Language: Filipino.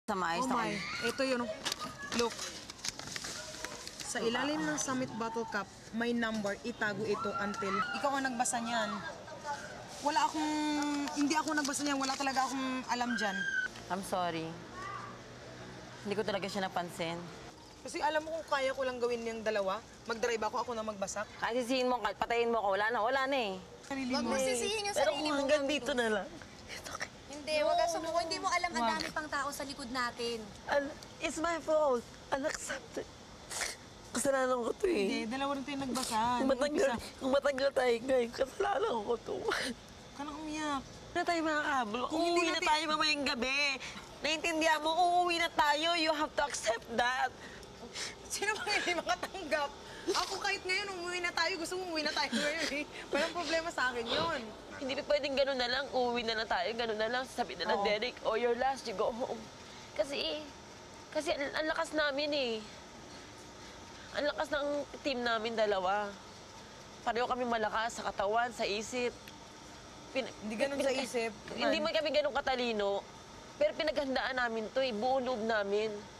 Sa maayos Oh na my, ito yun. Look. Sa ilalim ng Summit Bottle Cap, may number, itago ito until ikaw ang nagbasa niyan. Wala akong, hindi ako nagbasa niyan, wala talaga akong alam dyan. I'm sorry. Hindi ko talaga siya napansin. Kasi alam mo kung kaya ko lang gawin yung dalawa, mag-drive ako na magbasak. Kasi sisihin mo, patayin mo ko, wala na eh. Huwag mo sisihin yung Pero sarili kung mo. hanggang dito na lang. Hindi, huwag kang sumuko. Hindi mo alam ang dami pang tao sa likod natin. It's my fault. Unaccepted. Kasalanan ko to eh. Hindi, dalawa rin tayo nagbasa. Kung matagal tayo ngayon, kasalanan ko to. Ka na umiyak. Na tayo makakablo. Kung hindi Uuwi na natin- tayo mamayang gabi. Naiintindihan mo, uuwi na tayo. You have to accept that. Sino bang hindi makatanggap? Ako kahit ngayon, umuwi na tayo. Gusto mo umuwi na tayo ngayon eh. Walang problema sa akin yun. Hindi pa pwedeng gano'n na lang. Uuwi na tayo, gano'n na lang. Sabi na lang, Oo. Derek, oh, your last, you go home. Kasi ang lakas namin eh. Ang lakas ng team namin dalawa. Pareho kami malakas sa katawan, sa isip. Hindi ganun sa isip. Hindi man kami ganun katalino. Pero pinaghandaan namin to eh, buong loob namin.